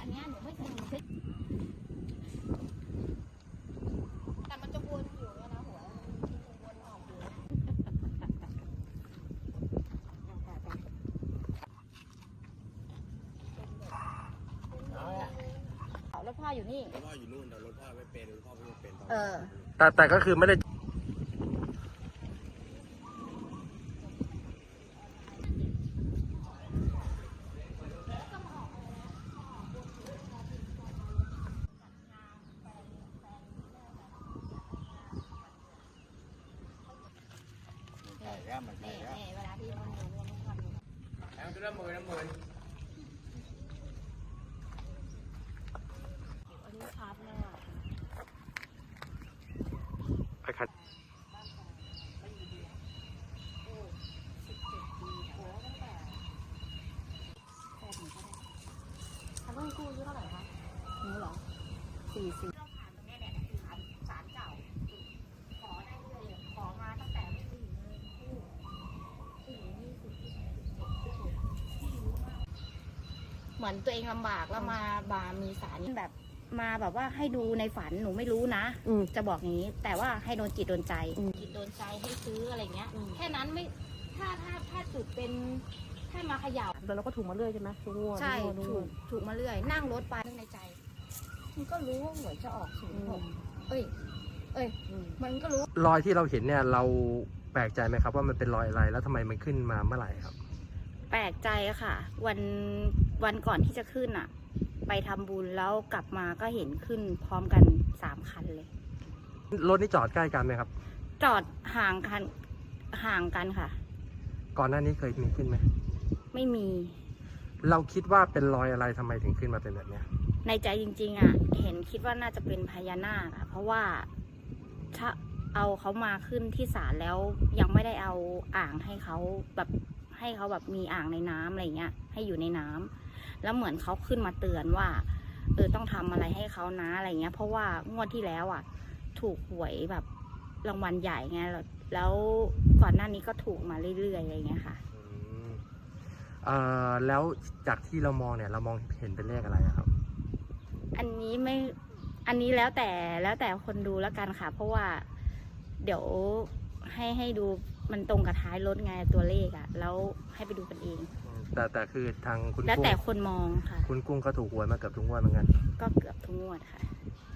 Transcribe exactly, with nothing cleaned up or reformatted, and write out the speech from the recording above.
นนี้หนูไม่เคยมีแต่มันจะวนอยู่เนี่ยนะหัววนออกอยู่รถพ่ออยู่นี่รถพ่ออยู่นู่นแต่รถพ่อไม่เป็นรถพ่อไม่เป็นเออแต่แต่ก็คือไม่ได้เวลาที่มันอยู่มันทำแล้วตัวละหมื่นละหมื่นอันนี้ชัดมากไปคัดทำต้องกู้เท่าไหร่คะหนูเหรอสี่สิบเราผ่านตรงนี้แหละคือผ่านศาลเก่าขอได้เลยขอมาตั้งแต่สี่โมงคู่สี่ยี่สิบที่ไหนเหมือนตัวเองลำบากแล้วมาบามีสารแบบมาแบบว่าให้ดูในฝันหนูไม่รู้นะจะบอกอย่างนี้ แต่ว่าให้โดนจิตโดนใจจิตโดนใจให้ซื้ออะไรเงี้ยแค่นั้นไม่ถ้าถ้าถ้าจุดเป็นถ้ามาเขย่าแต่เราก็ถูกมาเรื่อยใช่ไหมทุกงวดใช่ถูกถูกมาเรื่อยนั่งรถไปนึกในใจมันก็รู้ว่าหวยจะออกศูนย์หกเอ้ยเอ้ยมันก็รู้รอยที่เราเห็นเนี่ยเราแปลกใจไหมครับว่ามันเป็นรอยอะไรแล้วทำไมมันขึ้นมาเมื่อไหร่ครับแปลกใจอะค่ะวันวันก่อนที่จะขึ้นอะไปทำบุญแล้วกลับมาก็เห็นขึ้นพร้อมกันสามคันเลยรถนี่จอดใกล้กันไหมครับจอดห่างกันห่างกันค่ะก่อนหน้านี้เคยมีขึ้นไหมไม่มีเราคิดว่าเป็นรอยอะไรทำไมถึงขึ้นมาเป็นแบบนี้ในใจจริงๆอะเห็นคิดว่าน่าจะเป็นพญานาคอะเพราะว่าถ้าเอาเขามาขึ้นที่ศาลแล้วยังไม่ได้เอาอ่างให้เขาแบบให้เขาแบบมีอ่างในน้ำอะไรเงี้ยให้อยู่ในน้ำแล้วเหมือนเขาขึ้นมาเตือนว่าเออต้องทำอะไรให้เขานะอะไรเงี้ยเพราะว่างวดที่แล้วอ่ะถูกหวยแบบรางวัลใหญ่ไงแล้วก่อนหน้านี้ก็ถูกมาเรื่อยๆอะไรเงี้ยค่ะเอ่อแล้วจากที่เรามองเนี่ยเรามองเห็นเป็นเลขอะไรครับอันนี้ไม่อันนี้แล้วแต่แล้วแต่คนดูแล้วกันค่ะเพราะว่าเดี๋ยวให้ให้ดูมันตรงกับท้ายรถไงตัวเลขอ่ะแล้วให้ไปดูกันเองแต่แต่คือทางคุณแล้วแต่คนมองค่ะคุณกุ้งก็ถูกหวยมาเกือบทุกงวดเหมือนกันก็เกือบทุกงวดค่ะ